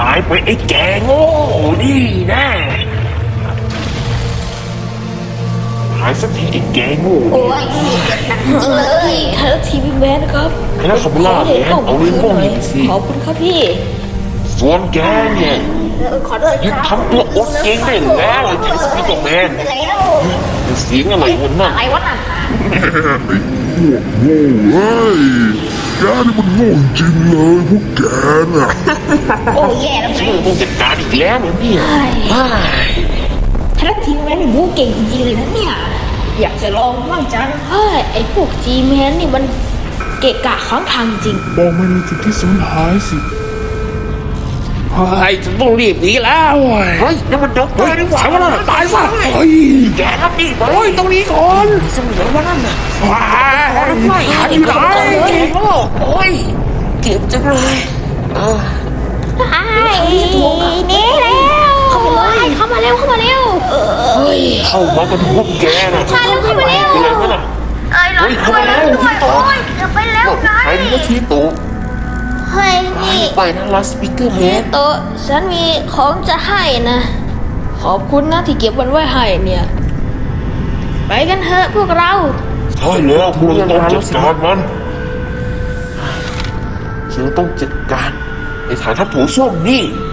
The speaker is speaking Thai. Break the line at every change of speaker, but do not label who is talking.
ายไปไอ้แกโง่นี่นะหายสักทีไอ้แกโง่
โอ้ยเจ็บหนักจริงเลย
ไทยรัฐทีวีแมนครับ
ไอ้นักขับล่าแมนเอาลิ้นพวกนี้สิ
ขอบคุณครับพี่
ส่วนแกเนี่ย
ขอโทษ
หยุด
ครับ
ทำตัวอดเก่งได้แล้วไอ้สปิโกแมน
เป็นไรแล้ว
เสียงอะไรวะนั่น
อะไรวะนั่น
โง่เฮ้ยแกนี่มันโง่จริงเลยพวกแกน่ะ
โอ้ยแย่แล้ว
ฉันต้องจัดการอีกแล้วเหรอเนี่ยเฮ้ย
ไทยรัฐทีวีแมนนี่บู๊เก่งจริงๆเลยนะเนี่ยอยากจะลองบ้างจัง
เฮ้ยไอ้พวกจีแมนนี่มันเกะกะข้างทางจริง
บอกมันในจุดที่สูญหายสิ
เฮ้ยฉันต้องรีบหนีแล้วเฮ้ยนั่นมันด็อกเตอร์นี่หว่า
ใช่ว่าน่ะตายซะเฮ้ย
แกรับนี่ไป
เฮ้ยตรงนี้ก่อน
เสมอว่านั่นน่ะ
ว้าย
ไม่
หายอยู่ไหน
เก่งโลกโอ้ยเจ็บจังเลยเออ
ไอ้นี่แล้วเข้ามาเลยเข้ามาเร็วเข้ามาเร็วเฮ้ย
เข้ามากันพวกแกน่ะ
มาเร็วเข้ามาเร็ว
เป็นไรวะน่ะ
เอ้ยรอด้วยรอด้วยโอ้ยจะไปแล้วไง
ใครนี่ก็ชี้ตู่
เฮ้ยนี่
ไปนะลาสปิเกอร์แมน
โตะฉันมีของจะให้นะ ขอบคุณนะที่เก็บมันไว้ให้เนี่ย ไปกันเถอะพวกเรา
ใช่แล้วพวกเราต้องจัดการมันฉันต้องจัดการไอ้ฐานทัพถูส้วมนี่